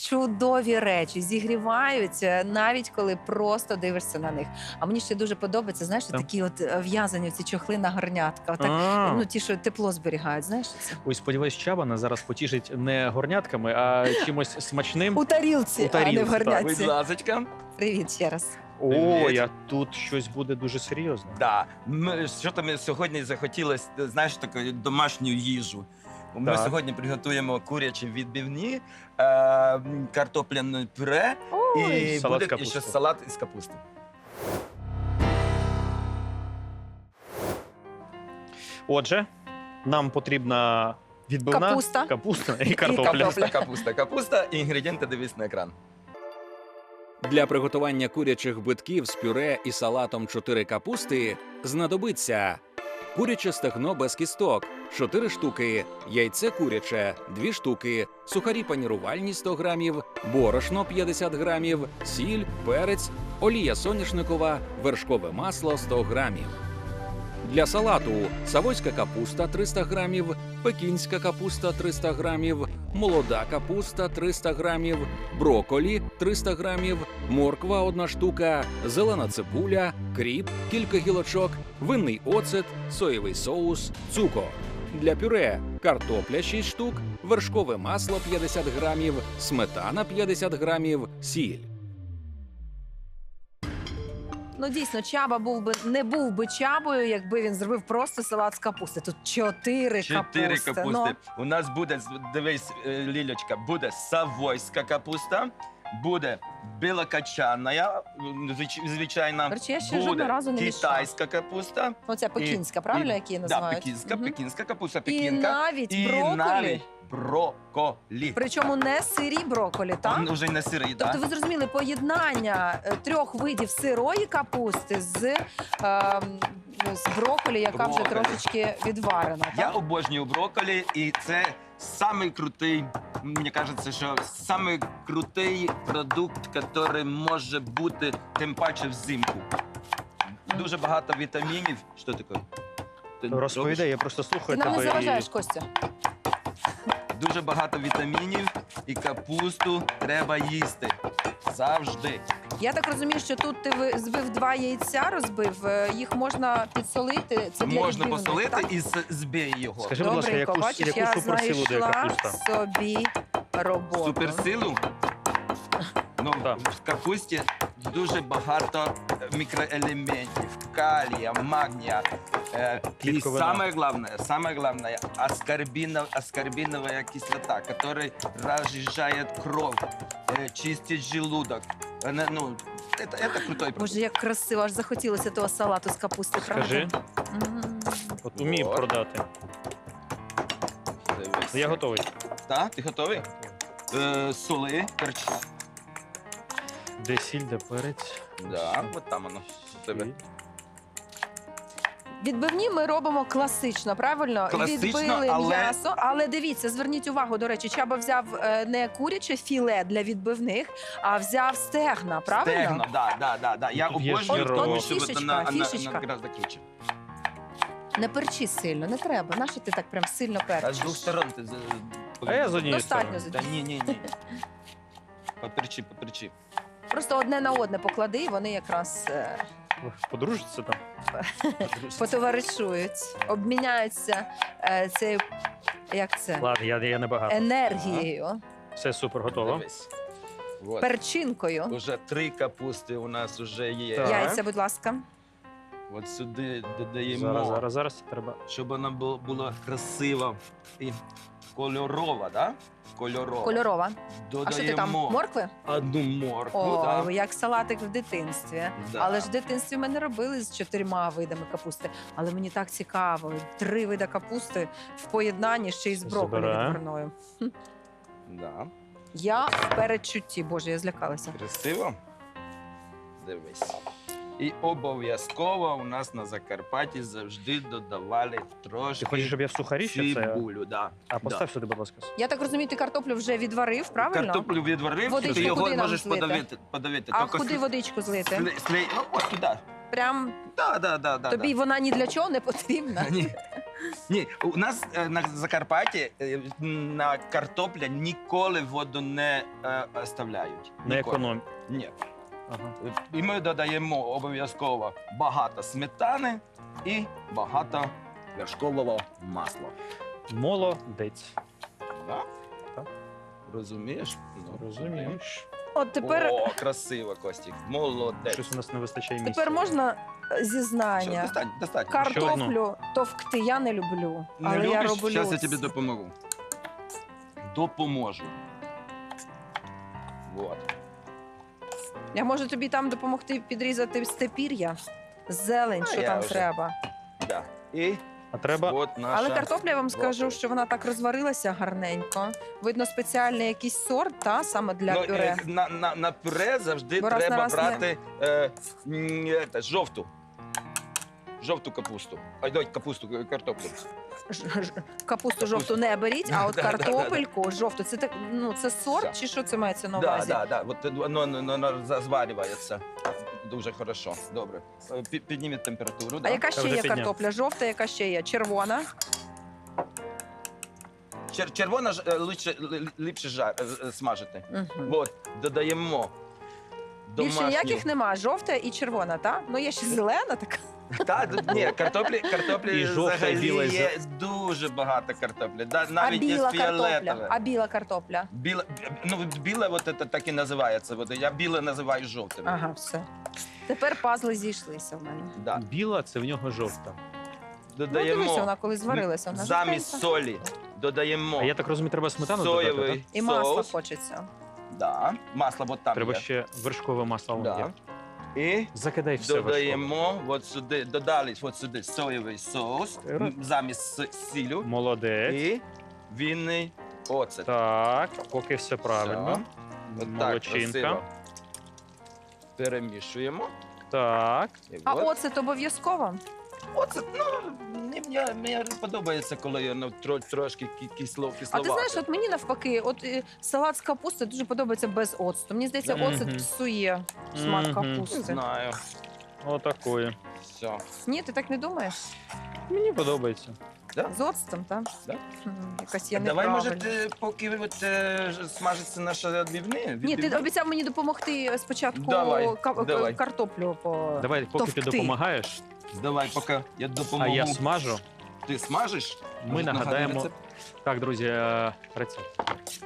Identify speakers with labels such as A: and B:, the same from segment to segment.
A: чудові речі, зігрівають, навіть коли просто дивишся на них. А мені ще дуже подобається, знаєш, такі от в'язані ці чохли на горнятка. Отак, ну, ті, що тепло зберігають, знаєш це?
B: Ой, сподіваюсь, Чаба нас зараз потішить не горнятками, а чимось смачним.
A: У тарілці, а не в
B: так.
A: горнятці.
C: Будь ласочка.
A: Привіт ще раз.
B: Ой, а тут щось буде дуже серйозне.
C: Да. Що там сьогодні захотілося, знаєш, таку домашню їжу. Ми
B: Так.
C: сьогодні приготуємо курячі відбивні, картопляне пюре і
B: Салат з
C: буде
B: капусти.
C: ще салат із капусти.
B: Отже, нам потрібна відбивна
A: Капуста.
B: і картопля.
C: Капуста. І інгредієнти дивись на екран.
D: Для приготування курячих битків з пюре і салатом 4 капусти знадобиться куряче стегно без кісток – 4 штуки, яйце куряче – 2 штуки, сухарі панірувальні – 100 грамів, борошно – 50 грамів, сіль, перець, олія соняшникова, вершкове масло – 100 грамів. Для салату савойська капуста – 300 грамів, пекінська капуста – 300 грамів, молода капуста – 300 грамів, брокколі – 300 грамів, морква – 1 штука, зелена цибуля, кріп – кілька гілочок, винний оцет, соєвий соус, цукор. Для пюре картопля – 6 штук, вершкове масло – 50 грамів, сметана – 50 грамів, сіль.
A: Ну, дійсно, Чаба не був би Чабою, якби він зробив просто салат з капусти. Тут 4
C: Чотири
A: капусти.
C: капусти. У нас буде, дивись, Лілечка, буде савойська капуста, буде білокачана, звичайна,
A: До речі, я ще жодного
C: буде
A: разу не мішала.
C: китайська капуста.
A: Оця пекінська, правильно, які її називають?
C: Да,
A: Мгм.
C: пекінська капуста,
A: І
C: пекінка.
A: навіть
C: І
A: брокколі.
C: навіть брокколі.
A: Причому не сирі брокколі, так?
C: Он вже не сирий,
A: Тобто
C: так?
A: ви зрозуміли поєднання 3 видів сирої капусти з брокколі, яка вже
C: Брокколі.
A: трошечки відварена.
C: Я
A: Так?
C: обожнюю брокколі, і це самий крутий, мені кажеться, що самий крутий продукт, який може бути, тим паче взимку. Дуже багато вітамінів. Що таке? Ти
B: Розповідай, я просто
A: Ти
B: слухаю
A: нам не
B: тебе.
A: заважаєш, Костя.
C: Дуже багато вітамінів, і капусту треба їсти. Завжди.
A: Я так розумію, що тут ти збив 2 яйця, розбив, їх можна підсолити. Це для
C: Можна
A: відбивних,
C: посолити
A: так?
C: і збій його.
B: Скажи, будь ласка,
A: Добренько, бачиш,
B: яку
A: я
B: суперсилу дає
A: знайшла
B: капуста?
A: собі роботу.
C: Суперсилу. Ну,
B: Так.
C: в капусті дуже багато мікроелементів, калія, магнія. І
B: Клітковина.
C: саме головне, аскорбинова кислота, яка розжижає кров, чистить желудок. Ну, це крутой продукт.
A: Боже, як красиво, аж захотілося того салату з капусти, правда?
B: Скажи, от умію
C: Вот.
B: продати.
C: Дивись.
B: Я готовий.
C: Так, ти готовий? Соли, перчі.
B: Де сіль, де перець.
C: Да, от там воно. у тебе.
A: Відбивні ми робимо класично, правильно?
C: Класично,
A: Відбили
C: але-
A: м'ясо, але дивіться, зверніть увагу, до речі, Чаба взяв не куряче філе для відбивних, а взяв стегна, правильно?
C: Стегно, да. Я
B: Тут є
C: обожнюю,
B: жирок.
C: тому
A: От
C: що
A: фішечка, фішечка.
C: гораздо круче.
A: Не перчи сильно, не треба. Нащо ти так прям сильно
C: А з
A: перчиш?
C: двох сторон ти...
B: А я з однієї
A: Достатньо
B: сторони.
A: з
C: Ні. Поперчи.
A: Просто одне на одне поклади, і вони якраз
B: Подружиться там?
A: потоваришують, обміняються цією, як це,
B: Ладно, я не багато.
A: енергією,
B: Все супер, готово.
C: Дивись. Вот.
A: перчинкою.
C: Уже 3 капусти у нас вже є.
B: Так.
A: Яйця, будь ласка.
C: От сюди додаємо,
B: Зараз треба.
C: щоб вона була красива і кольорова, да?
A: Кольорова.
C: Додаємо
A: А що ти там, моркви?
C: одну моркву,
A: О,
C: да.
A: як салатик в дитинстві.
C: Да.
A: Але ж в дитинстві ми не робили з 4 видами капусти. Але мені так цікаво. 3 види капусти в поєднанні ще й з брокколі
B: Забираю.
A: відварною.
C: Да.
A: Я в передчутті, боже, я злякалася.
C: Красиво. Дивись. І обов'язково у нас на Закарпатті завжди додавали трошки
B: Ти хочеш, щоб я в сухарі ще це?
C: цибулю. Да.
B: А постав сюди, будь ласка.
A: Я так розумію, ти картоплю вже відварив, правильно?
C: Картоплю відварив,
A: Водичку
C: ти його
A: куди нам
C: можеш
A: злити?
C: подавити.
A: А
C: Тільки
A: куди водичку злити?
C: Ну, от туди.
A: Прям
C: Да.
A: тобі вона ні для чого не потрібна.
C: Ні, у нас на Закарпатті на картопля ніколи воду не оставляють.
B: Не
C: Ніколи.
B: економ.
C: Ні.
B: Ага.
C: І ми додаємо обов'язково багато сметани і багато вершкового масла.
B: Молодець.
C: Да?
B: Так.
C: Розумієш? Ну,
B: Розумієш.
A: От тепер,
C: О, красиво, Костік. Молодець.
B: Щось у нас не вистачає місця.
A: тепер можна
C: Все,
A: зізнання.
C: достатньо.
A: Картоплю товкти я не люблю,
C: Не
A: але я
C: любиш?
A: роблю.
C: Зараз я тобі допоможу. Допоможу. Вот.
A: Я можу тобі там допомогти підрізати степір'я, зелень,
C: А
A: що
C: я
A: там
C: вже.
A: треба.
C: Да. І
B: А треба
C: от наша...
A: Але картопля, я вам скажу,
C: брокколі.
A: що вона так розварилася гарненько. Видно, спеціальний якийсь сорт, та, саме для
C: Ну,
A: пюре.
C: на пюре завжди
A: Бо раз на
C: треба
A: раз
C: брати жовту. Жовту капусту. Ой, капусту, картоплю.
A: Капусту жовту не беріть, а от
C: Да-да-да-да.
A: картопельку жовту. Це так, ну це сорт,
C: Все.
A: чи що це мається на
C: Да,
A: увазі?
C: да. От воно зварюється дуже хорошо. Добре. Підніміть температуру.
A: А
C: Да.
A: яка
B: Я
A: ще
B: вже
A: є
B: підняв.
A: картопля? Жовта, яка ще є? Червона.
C: Червона ліпше смажити.
A: Угу.
C: От, додаємо
A: Більше
C: домашню...
A: ніяких нема. Жовта і червона, так? Ну є ще зелена така.
C: Ні, картоплі
B: І жовта, і біла,
C: взагалі
B: і
C: є дуже багато картоплі.
A: А
C: Навіть є
A: біла картопля.
C: фіолетове.
A: А біла картопля.
C: Біле от це так і називається. От я біле називаю жовтим.
A: Ага, все. Тепер пазли зійшлися в мене.
C: Да.
B: біла, це в нього жовта.
A: Ну, дивися,
C: Додаємо
A: вона коли зварилася. Вона
C: замість
A: жовтенька.
C: солі додаємо
B: А я так розумію, треба сметану додати,
C: соєвий
B: так?
A: І масло
C: соус.
A: хочеться.
C: Да. Масло от там
B: Треба
C: є.
B: ще вершкове масло.
C: Да.
B: є.
C: І
B: Закидай все вершкове.
C: додаємо от сюди, додали от сюди соєвий соус замість сілю
B: Молодець.
C: і вінний оцет.
B: Так, поки все правильно.
C: Все. От так
B: Молодчинка.
C: красиво. Перемішуємо.
B: Так.
C: І
A: А
C: от.
A: оцет обов'язково?
C: Оцет, ну, мені подобається, коли воно трошки кисловато.
A: А ти знаєш, от мені навпаки, от салат з капусти дуже подобається без оцту. Мені здається,
B: Мгм.
A: оцет псує смак
B: Мгм.
C: Не
A: капусти.
C: знаю.
B: Отакої.
C: Все.
A: Ні, ти так не думаєш?
B: Мені подобається.
A: З оцтом, так?
C: Да.
A: Якась я
C: Давай, може,
A: неправильна.
C: поки смажиться наша відбивні?
A: Ні, ти обіцяв мені допомогти спочатку
C: Давай, давай.
A: картоплю по...
B: Давай, поки ти
A: Товкти.
B: допомагаєш,
C: Давай, поки я
B: а
C: допоможу.
B: я смажу.
C: Ти смажиш?
B: Ми
C: Може,
B: нагадаємо.
C: рецепт?
B: Так, друзі, рецепт.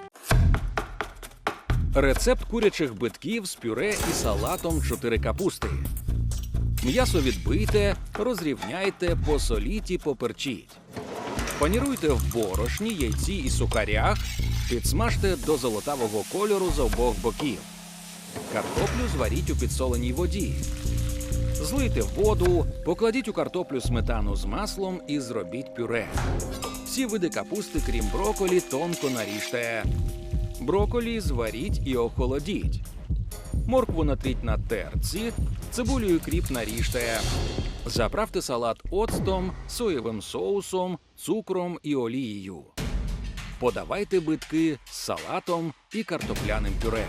D: Рецепт курячих битків з пюре і салатом 4 капусти. М'ясо відбийте, розрівняйте, посоліть і поперчіть. Паніруйте в борошні, яйці і сухарях, підсмажте до золотавого кольору з обох боків. Картоплю зваріть у підсоленій воді. Злийте воду, покладіть у картоплю сметану з маслом і зробіть пюре. Всі види капусти, крім брокколі, тонко наріжте. Брокколі зваріть і охолодіть. Моркву натріть на терці, цибулю і кріп наріжте. Заправте салат оцтом, соєвим соусом, цукром і олією. Подавайте битки з салатом і картопляним пюре.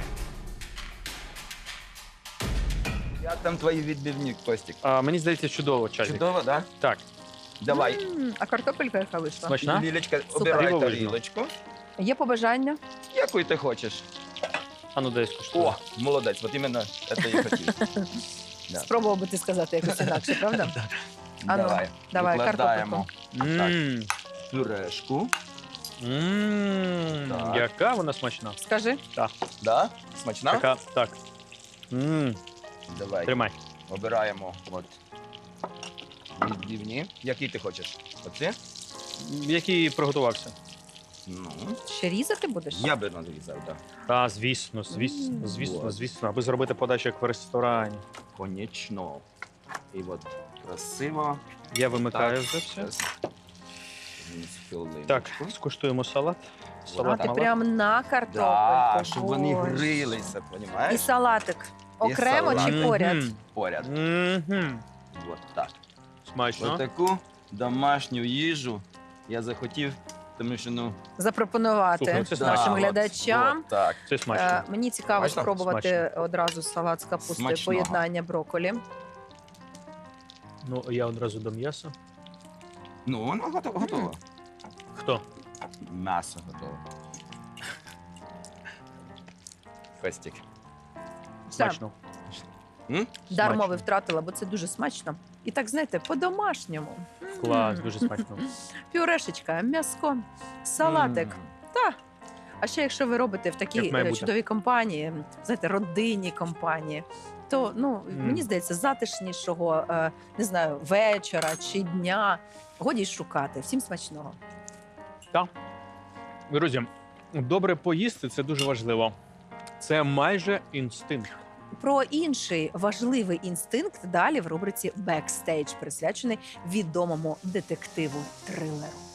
C: Як там твої відбивні, Костік?
B: Мені здається, чудово, Чазік.
C: Чудово, так?
B: Так,
C: Давай.
A: А картопелька яка вийшла?
B: смачна?
C: Лілечка,
A: Супер.
C: обирай
B: Дивовижно.
C: тарілочку.
A: Є побажання?
C: Яку ти хочеш?
B: А ну дай скуштую.
C: О, молодець, от іменно це я хотів. Да.
A: Спробував би ти сказати якось інакше, правда? А ну, давай,
C: викладаємо
B: Мм.
C: пюрешку.
B: Мм.
C: Так.
B: Яка вона смачна.
A: Скажи.
C: Да? Смачна?
B: Така, так. Мм.
C: Давай.
B: Тримай.
C: Обираємо от відбивні. Які ти хочеш? Оці?
B: Який приготувався?
C: Ну,
A: Ще різати будеш?
C: я би надрізав, так.
B: Та, звісно, звісно,
A: Мм.
B: звісно,
C: Вот.
B: звісно. Аби зробити подачу як в ресторані.
C: Конечно. І от красиво.
B: Я вимикаю
C: Так.
B: вже все.
C: Щас. Вниз хвилиночку.
B: Так, скуштуємо салат.
A: А
B: Салат
A: ти
B: малат.
A: прям на картопельку.
C: Да, щоб вони
A: Боже.
C: грилися,
A: І
C: розумієш?
A: салатик. Окремо
C: салат.
A: чи поряд?
C: Поряд.
B: Мгм.
C: От так.
B: Смачно.
C: Отаку домашню їжу я захотів, тому що, ну...
A: Запропонувати
B: Слухай, це
A: нашим
C: от,
A: глядачам.
C: от так.
B: Це смачно.
A: Мені цікаво
C: Смачно?
A: спробувати одразу салат з капустою,
C: Смачного.
A: поєднання брокколі.
B: Ну, я одразу до м'яса.
C: Ну, воно готово.
B: Хто?
C: М'ясо готове. Костік.
B: Смачно.
A: Дармо
B: Смачно.
A: ви втратила, бо це дуже смачно. І так, знаєте, по-домашньому.
B: Клас, дуже смачно.
A: Пюрешечка, м'яско, салатик. Та. А ще якщо ви робите в такій
B: Як має бути.
A: чудовій компанії, знаєте, родинній компанії, то мені здається, затишнішого, не знаю, вечора чи дня годі й шукати. Всім смачного.
B: Друзі, добре поїсти це дуже важливо. Це майже інстинкт.
A: Про інший важливий інстинкт далі в рубриці «Бекстейдж», присвячений відомому детективу-трилеру.